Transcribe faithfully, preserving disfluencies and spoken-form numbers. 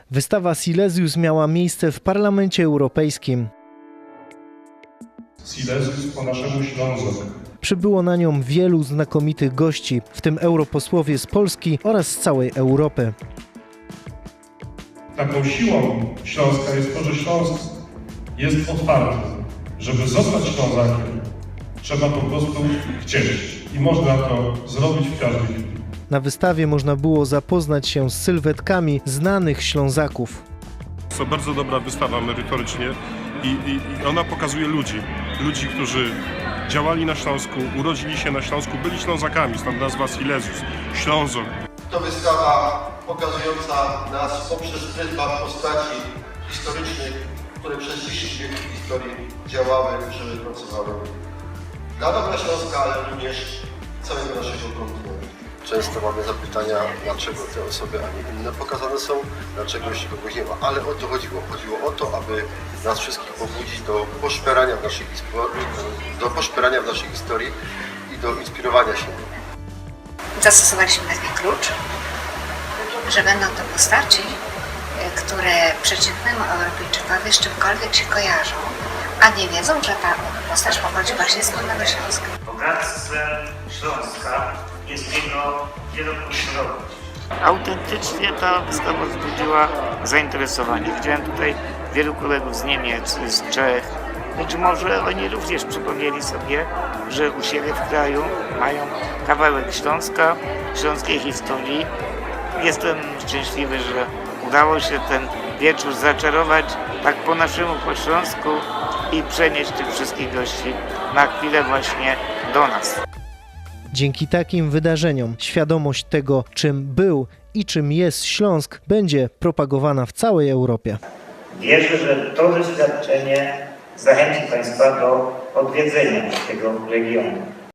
Wystawa Silesius miała miejsce w Parlamencie Europejskim. Silesius po naszemu Ślązok. Przybyło na nią wielu znakomitych gości, w tym europosłowie z Polski oraz z całej Europy. Taką siłą Śląska jest to, że Śląsk jest otwarty. Żeby zostać Ślązakiem, trzeba po prostu chcieć. I można to zrobić w każdej chwili. Na wystawie można było zapoznać się z sylwetkami znanych Ślązaków. To bardzo dobra wystawa merytorycznie i, i, i ona pokazuje ludzi. Ludzi, którzy działali na Śląsku, urodzili się na Śląsku, byli Ślązakami, stąd nazwa Silesius, Ślązok. To wystawa pokazująca nas poprzez pryzmat postaci historycznych, które przez dziesięć wieków historii działały, żyły, pracowały dla dobra Śląska, ale również całego naszego kontynentu. Często mamy zapytania, dlaczego te osoby, a nie inne pokazane są, dlaczego jeszcze kogoś nie ma. Ale o to chodziło. Chodziło o to, aby nas wszystkich pobudzić do poszperania w naszej, do poszperania w naszej historii i do inspirowania się. Zastosowaliśmy taki klucz, że będą to postaci, które przeciętnemu Europejczykowi z czymkolwiek się kojarzą, a nie wiedzą, że ta postać pochodzi właśnie z Górnego Śląska. Bogactwem Śląska jest jego wielokulturowość. Autentycznie ta wystawa wzbudziła zainteresowanie. Widziałem tutaj wielu kolegów z Niemiec, z Czech. Być może oni również przypomnieli sobie, że u siebie w kraju mają kawałek Śląska, śląskiej historii. Jestem szczęśliwy, że udało się ten wieczór zaczarować tak po naszemu, po śląsku i przenieść tych wszystkich gości na chwilę właśnie do nas. Dzięki takim wydarzeniom świadomość tego, czym był i czym jest Śląsk, będzie propagowana w całej Europie. Wierzę, że to doświadczenie zachęci Państwa do odwiedzenia tego regionu.